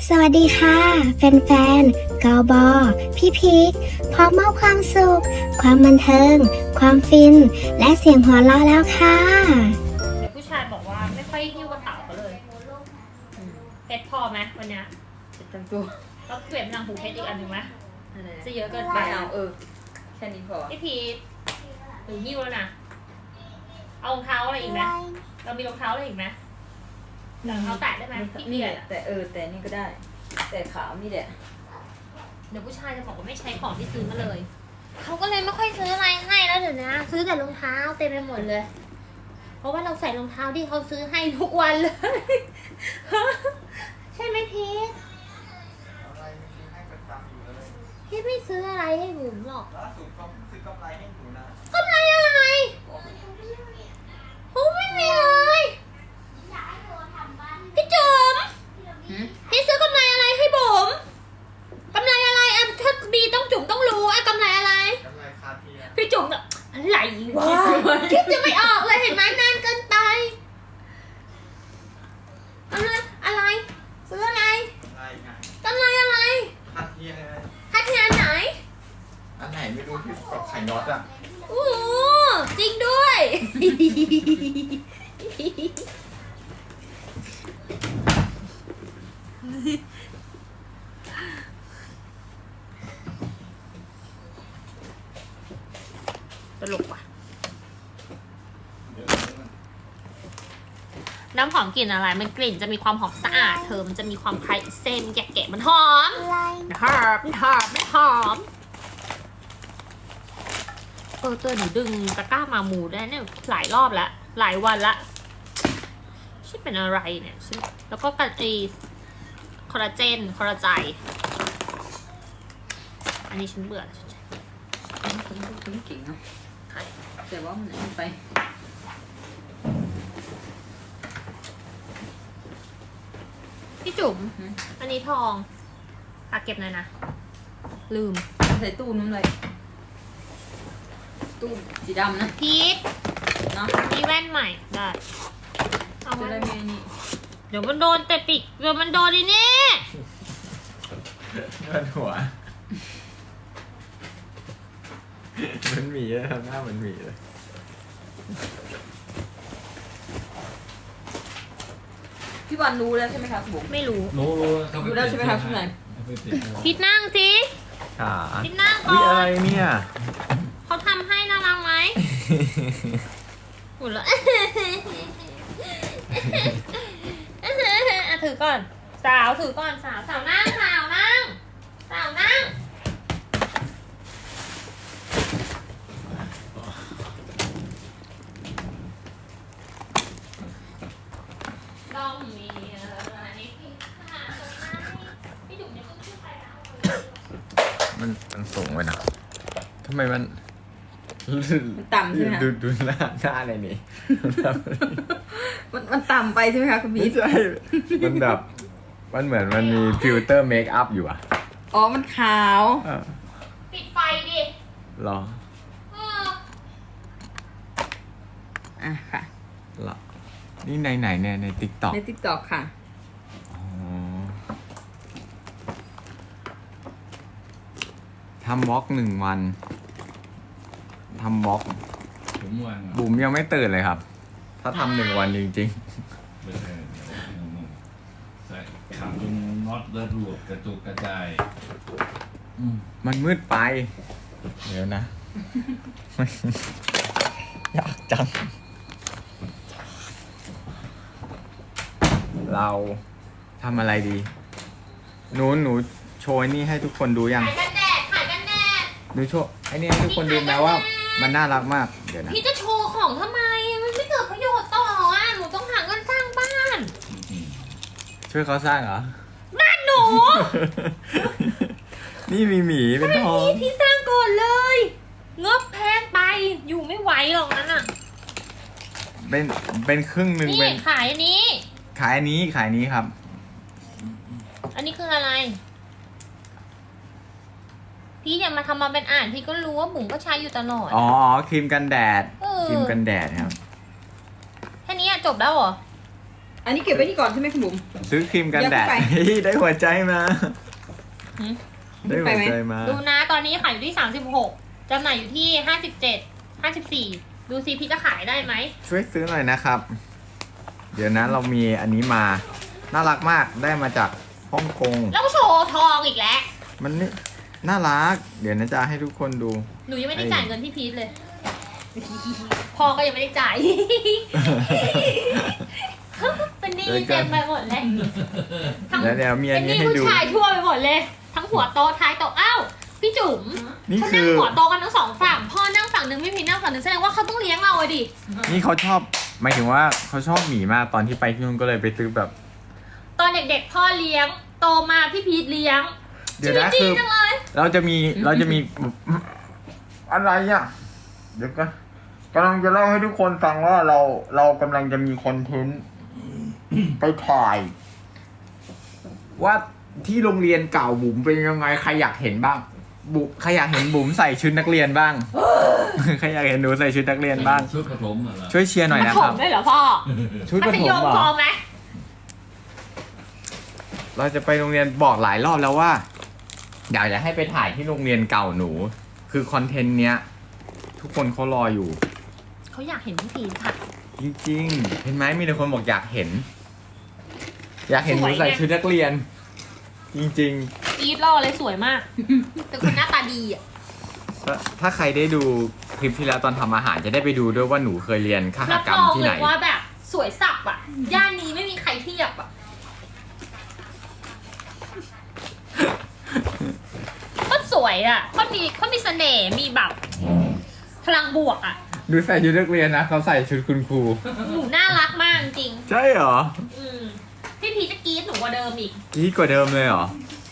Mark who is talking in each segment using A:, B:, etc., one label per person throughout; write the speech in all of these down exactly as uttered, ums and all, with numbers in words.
A: สวัสดีค่ะแฟนๆกอบอพี่พีคพร้อมมอบความสุข ความบันเทิง ความฟิน และเสียงหัวเราะแล้วค่ะ
B: เดี๋ยวผู้ชายบอกว่าไม่ค่อยหิ้วกระเป๋าเขาเลยเพชรพอไหมวันเนี้ย
C: เจ็ดตังตัว
B: ก็เปลี่ยนเป็นนางหูเพชรอีกอันหนึ่งไหม
C: อะไร
B: จะเยอะเกินไป
C: ไม่เอาเออแค่นี้พอ
B: พี่พีทหนูหิ้วแล้วนะเอารองเท้าอะไรอีกไหมเรามีรองเท้าอะไรอีกไหมรองเท้าแตะได้ไหมพี่เกี
C: นี่
B: ย
C: แห
B: จ
C: ละแต่เออแต่นี่ก็ได้ แต่ขาวนี่แหละ
B: เดี๋ยวผู้ชายจะบอกว่าไม่ใช้ของที่ซื้อมาเลยเขาก็เลยไม่ค่อยซื้ออะไรให้แล้วเดี๋ยวนะซื้อแต่รองเท้าเต็มไปหมดเลย เพราะว่าเราใส่รองเท้าที่เขาซื้อให้ทุกวันเลย ใช่ไหมพีท
D: อะไรไม่ซื้อให้ประจำอยู่เลย
B: พี่ไม่ซื้ออะไรให้บุ๋มหรอก
D: ล่าสุดก็ซื้อกำไรให้หนูนะ
B: กำไรอะไรโอ้ไม่มีเลยพี่จุ๋มพี่ซื้อกำไรอะไรให้บุ๋มกำไรอะไรอ่ะถ้าบีต้องจุ๋มต้องรู้อ่ะกำไรอะไร
D: กำไรคาเทีย
B: พี่จุ๋มแบบอะไรวะคิดจะไม่ออกเลยเห็นไหมนานเกินไปอะไรอะไรซื้ออะไร
D: อะไรไง
B: กำไรอะไร
D: คาเทียไง
B: คัดงานไหน
D: อันไหนไม่รู้ที่กับไข่น็อตอ่ะ
B: โอ้จริงด้วย ตลกว่ะน้ำหอมกลิ่นอะไร มันกลิ่นจะมีความหอมสะอาดเธอ มันจะมีความคล้ายเส้นแกะๆมันหอมมันหอมมันหอมมันหอมเออเตอร์หนูดึงตะกร้ามาหมูได้เนี่ยหลายรอบแล้ว หลายวันละชื่อเป็นอะไรเนี่ยชื่อแล้วก็กันไอคอลลาเจนคอลลาไจอันนี้ฉันเบื่อแล้วฉันใช้
C: คุณคุณเก่งเนาะแต่ว่ามันไป
B: พี่จุ๋มอันนี้ทองฝากเก็บหน่อยนะ ลืม
C: ใส่ตู้น้ำเลยตู้สีดำนะ
B: พีท
C: เนาะ
B: มีแว่นใหม่ได้เอา
C: จะ
B: ไว้
C: ได้ไม่นี่
B: เดี๋ยวมันโดนแต่ปิกเดี๋ยวมันโดนดินี่
D: เงินหัวมันหมีเลยทำหน้าเหมือนหมีเลย
C: พี่วันรู้แล้วใช่ไหมคะบุ๋ม
B: ไม่รู้
E: รู้รู้
C: รู้แล้วใช่ไหมครับข้างใน
B: พีทนั่งสิ
D: ขา
B: พีทนั่งก่
D: วิ
B: อ
D: อะไร
B: น
D: เนี่ย
B: เขาทำให้น่ารักไหมหุ่นละ อ่ะถือก่อน สาวถือก่อนสาวสาวนั่งสาวนั่งสาวนั่งลองมีอะไรพี่ค่ะพี่ดุ๋มยังไม่ขึ้นไปแล้ว
D: มันมันสูงไปนะทำไมมัน
C: มันต่ำใช่ไหมคะ
D: ดูดูหน้าหน้าอะไรนี่
C: มันมันต่ำไปใช่ไหมคะคุณ
D: ไม่
C: พี่
D: ใช่มันแบบมันเหมือนมันมีฟิลเตอร์เมคอัพอยู่อะ
C: อ๋อมันขาว
D: เออ
B: ปิดไฟดิ
D: เหรอ
B: เออ
C: อ่ะค่ะ
D: เหรอนี่ในไหนเนี่ยในติ๊กต็อก
C: ในติ๊กต็อกค่ะ
D: ทำวอล์กหนึ่งวันทำวอล์ก
E: ผมวัน
D: บุ๋มยังไม่ตื่นเลยครับ ถ้าทำหนึ่งวันจริง
E: ไม่ใช่ใส่ขังจนน็อตแล้วรวบกระจุกกระจายอืม
D: ๆ มันมืดไป เดี๋ยวนะ อยากจัง เราทำอะไรดีหนูหนูโชว์ไอ้นี่ให้ทุกคนดูยัง
B: ขายกันแดดขายกันแดด
D: หนูโชว์ไอ้นี่ให้ทุกคนดูแม้ว่า มันน่ารักมาก เดี๋ยวนะ
B: พี่จะโชว์ของทำไม มันไม่เกิดประโยชน์ต่ออ่ะ หนูต้องหาเงินสร้างบ้าน
D: ช่วยเขาสร้างเหรอ
B: บ้านหนู
D: นี่มีหมีเป็นทอง
B: พี่พี่สร้างก่อนเลยงบแพงไป อยู่ไม่ไหวหรอกนั้นอ่ะ
D: เป็นเป็นครึ่งหนึ่ง
B: นี่
D: เป็น
B: ขายอันนี้
D: ขายอันนี้ขายอันนี้ครับ
B: อันนี้คืออะไร พี่อย่ามาทำมาเป็นอ่าน พี่ก็รู้ว่าบุ๋มก็ใช้อยู่ตลอด
D: อ๋อครีมกันแดด
B: เออ
D: ครีมกันแดดครับ
B: แค่นี้อะจบแล้วเหรอ
C: อันนี้เก็บไว้นี่ก่อนใช่ไหมคุณบุ๋ม
D: ซื้อครีมกันแดด
C: อย่าเพิ่งไป
D: เฮ้ยได้หัวใจมา
C: หืม
D: ได้หัวใจมา
B: ดูนะตอนนี้ขายอยู่ที่สามสิบหกจำหน่ายอยู่ที่ห้าสิบเจ็ดห้าสิบสี่ดูซิพี่จะขายได้ไหม
D: ช่วยซื้อหน่อยนะครับ เดี๋ยวนะเรามีอันนี้มา น่ารักมากได้มาจากฮ่องกง
B: แล้วก็โชว์ทองอีกแล้ว
D: มันนี่น่ารัก เดี๋ยวนะจะให้ทุกคนดู
B: หนูยังไม่ได้จ่ายเงินพี่พีทเลย พ่อก็ยังไม่ได้จ่าย เป็นหนี้เต็มไปหมดเลยทั้ง
D: เดี๋ยวเดี๋ยวมีอั
B: เป็น นห
D: นี้
B: นี้
D: ให้
B: ผู้
D: ดู
B: ชายทั่วไปหมดเลย ทั้งหัวโตะท้ายโตะอ้าวพี่จุ๋ม
D: นี่
B: เขา
D: คื
B: นั่ง
D: อ
B: หัวโตะกันทั้งสองฝั่งพ่อนั่งฝั่งหนึ่งพี่พีทนั่งฝั่งหนึ่งแสดงว่าเขาต้องเลี้ยงเราอะดิ
D: นี่เขาชอบ หมายถึงว่าเขาชอบหมีมากตอนที่ไปที่นู่นก็เลยไปซื้อแบบ
B: ตอนเด็กๆพ่อเลี้ยงโตมาพี่พีทเลี้ยง
D: เดี๋ยวนะ
B: ชี
D: คือ
B: วิตดีจังเลย
D: เราจะมีเราจะมี อะไรอ่ะ เดี๋ยวก็กำลังจะเล่าให้ทุกคนฟังว่าเราเรากำลังจะมีคอนเทนต์ ไปถ่าย ว่าที่โรงเรียนเก่าบุ๋มเป็นยังไงใครอยากเห็นบ้าง บุ๋มใครอยากเห็นบุ๋มใส่ชุดนักเรียนบ้าง ใครอยากเห็นหนูใส่ชุดนักเรียนบ้าง
E: ชุดกระผมเหรอ
D: ช่วยเชียร์หน่อย
B: มา
D: นะ
B: ถ
D: ครั
B: ม
D: บ
B: ได้เหรอพ่อ
D: ชุด
B: มั
D: ประ
B: ธ
D: ถ
B: ย
D: ม
B: ม
D: เหร
B: พอ
D: อ
B: ไหม
D: เราจะไปโรงเรียนบอกหลายรอบแล้วว่าเดี๋ยวจะให้ไปถ่ายที่โรงเรียนเก่าหนู คือคอนเทนต์เนี้ย ทุกคนเขารออยู่
B: เขาอยากเห็นพี่พีทค่ะ
D: จริงๆ เห็นไหมมีแต่คนบอกอยากเห็น อยากเห็นห
B: ส
D: นู
B: วยไง
D: ใส่ชุดนักเรียน จริง
B: อีทล่อเลยสวยมาก แต่คนหน้าตาดีอ่ะ
D: ๆ ถ้าถ้าใครได้ดูคลิปที่แล้วตอนทำอาหารจะได้ไปดูด้วยว่าหนูเคยเรียนคห
B: รับ
D: กรร
B: ร
D: ม
B: อง
D: ที่
B: เล
D: ไหน
B: ยว่าแบบสวยสับอ่ะ ย่านนี้ไม่มีใครเทียบอ่ะ ก็สวยอ่ะเขามีเขามีเสน่ห์มีแบบพลังบวกอ่ะ
D: ดูใส่ชุดนักเรียนนะเขาใส่ชุดคุณครู
B: หนูน่ารักมากจริง
D: ใช่เหรอ
B: อืมพี่พีชจะกรี๊ดหนูกว่าเดิมอีก
D: กี้กว่าเดิมเลยเหรอ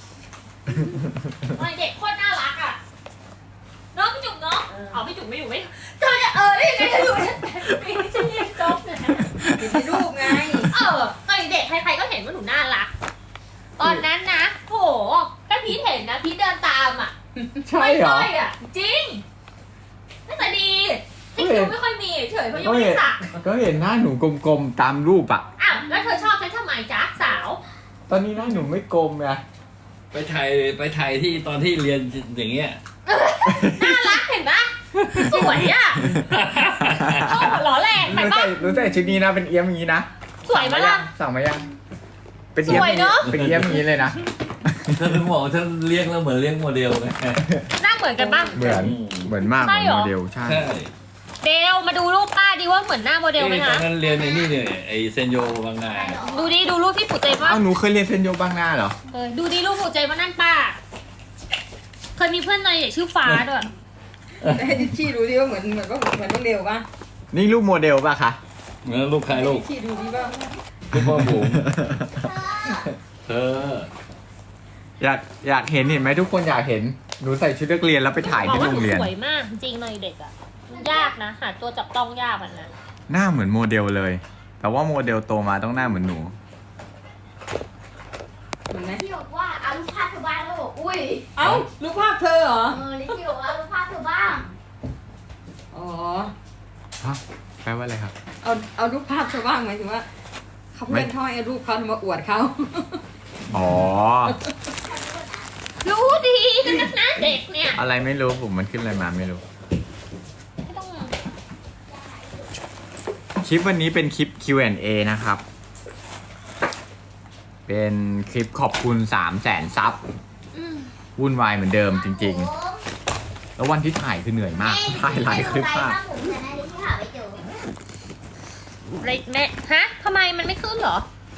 B: ตอนเด็กโคตรน่ารักอ่ะเน้องพี่จุ๋มเนาะเอาพี่จุ๋มไม่อยู่ไม่เธอจะเออได้ยังไงเธออยู่ไม่ใช่เรียนจบเลย
C: เก็บในรูปไง
B: เออตอนเด็กใครๆก็เห็นว่าหนูน่ารัก ตอนนั้นนะโหถ้าพีทเห็นนะพีทเดินตามอ่ะ
D: ใช่เหรอ
B: ไม่ค่อยอ่ะ จริงน่าจะดีที่คิวไม่ค่อยมีเฉยเพราะยัง
D: ก็
B: ไม่
D: เห็น
B: ได้สัก
D: ก็เห็นหน้าหนูกลมๆตามรูปอะ
B: อ้าวแล้วเธอชอบฉันทำไมจ๊ะสาว
D: ตอนนี้หน้าหนูไม่กลมไง
E: ไปถ่ายไปถ่ายที่ตอนที่เรียนอย่างเงี้ย
B: น่ารักเห็นปะสวยอ่ะโอ้โหหล่อแรง
D: ห
B: ไป
D: นู
B: ปะ
D: ใส่หนูใส่ชุดนี้นะเป็นเอี้ยมอย่างนี้นะ
B: สวยปะล่ะ
D: สั่งมายังเป็นเอี้ยม
B: สวยเนอะ
D: เป็นเอี้ยมอย่างนี้เลยนะ
E: ถ้าถึงบอกว่าถ้าเลี้ยงแล้วเหมือนเลี้ยงโมเดลไง
B: หน้าเหมือนกันปะ
D: เหมือนเหมือนมากเห
B: ใช่
D: มือน
B: เหรอ
D: โมเดลใช่
E: ใช่
B: เดลมาดูรูปป้าดีว่าเหมือนหน้าโมเดลไหม
E: ตอ
B: คะ
E: นนั้นเรียนในนี่เนี่ยไอเซนโยบางนา
B: ดูดิดูรูปที่ปู่เจมว่า
D: เอ้าหนูเคยเรียนเซนโยบางนาเหรอ
B: เออดูดิรูปปู่เจมว่านั่นป้า เคยมีเพื่อนในเด็กชื่อฟ้าด้วย
C: ให้ดิชชี่ดูดิว่าเหมือนเหมือนว่าเหมือนน้องเดวป่ะ
D: นี่รูปโมเดลป่ะคะ
E: เหมือนลูกใครลูก
C: ดิชชี่ดูดิว่า
E: ลูกพ่อบุ๋มเธอ
D: อยากอยากเห็นเห็นไหมทุกคนอยากเห็นหนูใส่ชุดนักเรียนแล้วไปถ่าย
B: บอก
D: ที่
B: ว่า
D: โร
B: หนู
D: งเรียน
B: สวยมากจริงๆในเด็กอ่ะมันยากนะหาตัวจับต้องยากอ่ะนะ
D: หน้าเหมือนโมเดลเลย แต่ว่าโมเดลโตมาต้องหน้าเหมือนหนู
C: เหมือนไหม
A: ที่บอกว่าเอารูปภาพเธอบ้างแล้วบอกอุ้ย
C: เอ้ารูปภาพเธอเหรอ
A: เออลิที่บอกว่าเอารูปภาพเธอบ้าง
C: อ๋อ
D: ฮะแปลว่าอะไรครับ
C: เอาเอารูปภาพเธอบ้างหมายถึงว่าเขาเพื่อนเขาให้เอารูปเขามาอวดเขา
D: อ๋อ
B: รู้ดีกันนักนะเด็กเนี่ย
D: อะไรไม่รู้ผมมันขึ้นอะไรมาไม่รู้
B: ไม่ต้อง
D: คลิปวันนี้เป็นคลิป คิว แอนด์ เอ นะครับ เป็นคลิปขอบคุณสามแสนซับ
B: อืม
D: วุ่นวายเหมือนเดิมจริงๆ แล้ววันที่ถ่ายคือเหนื่อยมาก ถ่ายหลายคลิปมาก
A: ผมจะได้ที่หาไปเจอ
B: อะไรแม่ฮะทำไมมันไม่ขึ้นเหรอ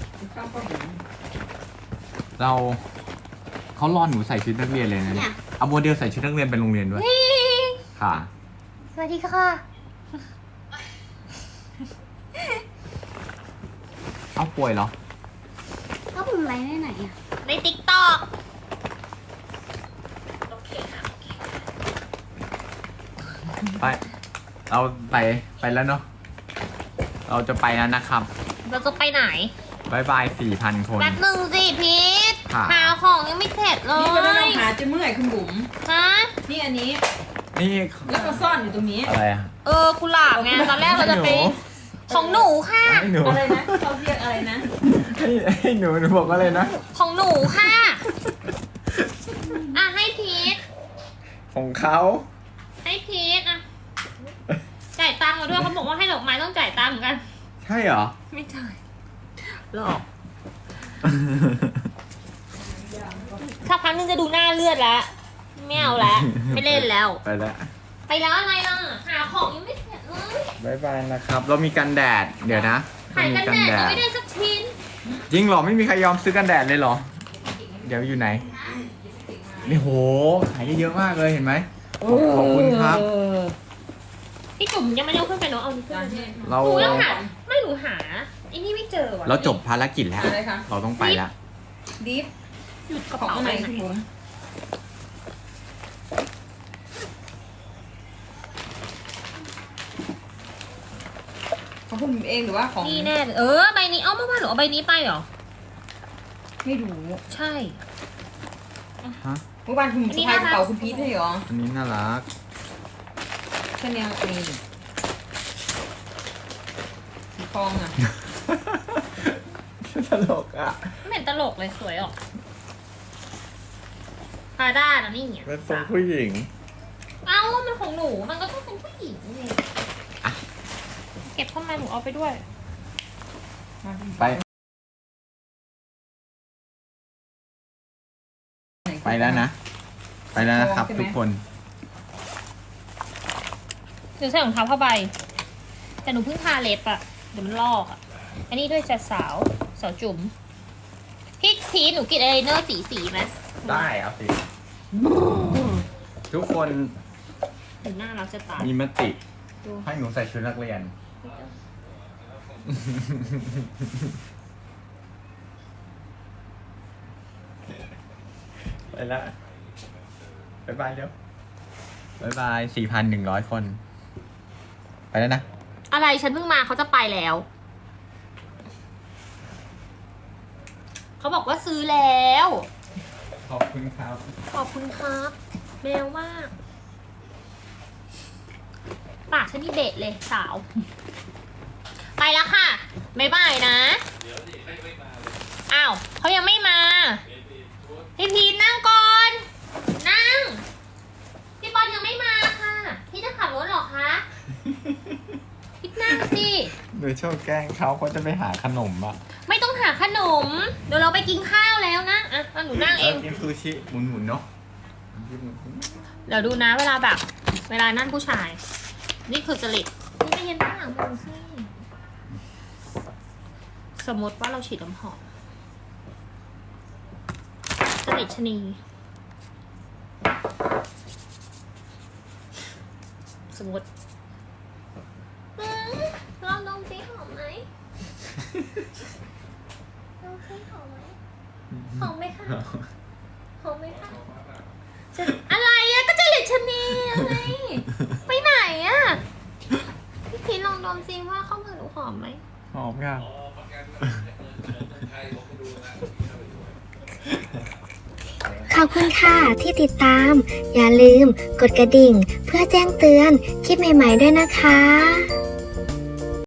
D: เราเขารอหนูใส่ชุดนักเรียนเลยนะเนี่ยเอาโมเดลใส่ชุดนักเรียนไปโรงเรียนด้วย ค่ะ
B: สวัสดีค่ะ
D: เอาป่วยเหรอ
A: ก็ผมไลฟ์ได้ไหนอ่ะ
B: ในติ๊กต็อกโอเคค่ะ
D: ไป เราไปไปแล้วเนาะ เราจะไปแล้วนะครับ
B: เราจะไปไหน
D: บายบายสี่พันคน
B: แป๊บหนึ่งสิพีท
D: ค่ะ
B: หาของยังไม่เสร็จเล
C: นี่ก็ต้อง
B: ย
C: หาจะเมื่อยคุณบุ๋ม
B: ฮะ
C: นี่อันนี้
D: นี่
C: แล้วก็ซ่อนอยู่ตรงนี้
D: อะไรอะ
B: เออกุหลาบไงตอนแรกเราจะไปของหนูค่ะ
D: ให้หนู
C: อะไรนะเขาเรียกอะไรนะ
D: ให้ให้หนูหนูบอกว่าอะไรนะ
B: ของหนูค่ะ อ่ะให้พีท
D: ของเขา
B: ให้พีทอ่ะ จ่ายตังค์มาด้วยเขาบอกว่าให้ดอกไม้ต้องจ่ายตังค์เหมือนกัน
D: ใช่เหรอ
B: ไม่จ่ายหลอกสักพักนึงจะดูหน้าเลือดแล้วไม่เอาแล้ว ไม่เล่นแล้ว
D: ไปแล้ว
B: ไปแล้วอะไรล่ะ หาของยังไม่เสร็จเลย
D: บายบายนะครับ เรามีกันแดด เดี๋ยวนะ
B: ขายกันแดดก็ไม่ได้สักชิ้น
D: จริงเหรอ ไม่มีใครยอมซื้อกันแดดเลยเหรอ เดี๋ยวอยู่ไหน นี่โห ขายได้เยอะมากเลยเห็นไหม ขอบคุณครับ
B: พี่จุ๋มยังไม่ได้เอาขึ้นไปเนาะเอานี่ขึ้นไปด้วย
D: เรา
B: หนูยังหาไม่หนูหาไอ้นี่ไม่เจอว่ะ
D: เราจบภารกิจแล้ว
C: อะไรคะ
D: เราต้องไปแล้ว
C: ดิฟ
B: หยุดกระ
C: ของ
B: เป๋า
C: อะไร
B: ไป
C: คุณผมของคุณผมเองหรือว่าของ
B: นี่แน่เลยเออใบนี้เอ้าเมื่อวานหนูเอาใบนี้ไปเหรอ
C: ไม่รู้
B: ใช่
D: ฮะ
C: เมื่อวานคุณผมสะพายกระเป๋าคุณพีทให้เหรอ
D: อันนี้น่ารัก
C: แค่เนี้ยนี่สีทองอ่ะ
D: ตลกอ่ะ
B: ไม่เห็นตลกเลยสวยออกพาด้านะนี่เนี่ย
D: เป็นทรงผู้หญิง
B: เอ้ามันของหนูมันก็ต้องเป็นผู้หญิงนี่เก็บเข้ามาหนูเอาไปด้วย
D: ไป ไปแล้วนะ ไปแล้วนะครับทุกคน
B: หนูใส่รองเท้าผ้าใบ แต่หนูเพิ่งทาเล็บอะเดี๋ยวมันลอกอะอันนี้ด้วยจะสาวสาวจุ๋มพี่พีทหนูกินอะไรเนอร์สีสีไหม
D: ได้เอาสิ ทุกคน
B: หนูน่ารักจะตาย
D: มีมติ
B: ดู
D: ให้หนูใส่ชุดนักเรียน ไปแล้วบายบายเดี๋ยวบายบายสี่พันหนึ่งร้อยคน ไปแล้วนะ
B: อะไรฉันเพิ่งมาเขาจะไปแล้ว เขาบอกว่าซื้อแล้ว
D: ขอบคุณครับ
B: ขอบคุณครับแมวมาก ปากฉันนี่เบ็ดเลยสาว ไปแล้วค่ะบ๊ายบายนะ อ้าวเขายังไม่มา พี่พีทนั่งก่อน นั่ง พี่บอลยังไม่มาค่ะ พี่จะขับรถเหรอคะพี่นั่งสิ
D: หนูชอบแกล้งเขาเขาจะไปหาขนมอ่ะ
B: ไม่ต้องหาขนม เดี๋ยวเราไปกินข้าวแล้วนะ อ่ะเอาหนูนั่งเอง
D: กินซูชิหมุนๆเนาะ
B: เดี๋ยวดูนะเวลาแบบ เวลานั่นผู้ชาย นี่คือจริตนี่ไปเย็นข้างหลังมือสิสมมติว่าเราฉีดน้ำหอมจริตชะนี สมมติอืมลองดมสิหอมไหมลองสิหอมไหมหอมไหมคะหอมไหมคะจะอะไรอะก็จริตชะนีอะไรไปไหนอะพี่พีชลองดมสิว่าข้าวมือหนูหอมไหม
D: หอมค่ะ
A: ขอบคุณค่ะที่ติดตาม อย่าลืมกดกระดิ่งเพื่อแจ้งเตือนคลิปใหม่ๆด้วยนะคะ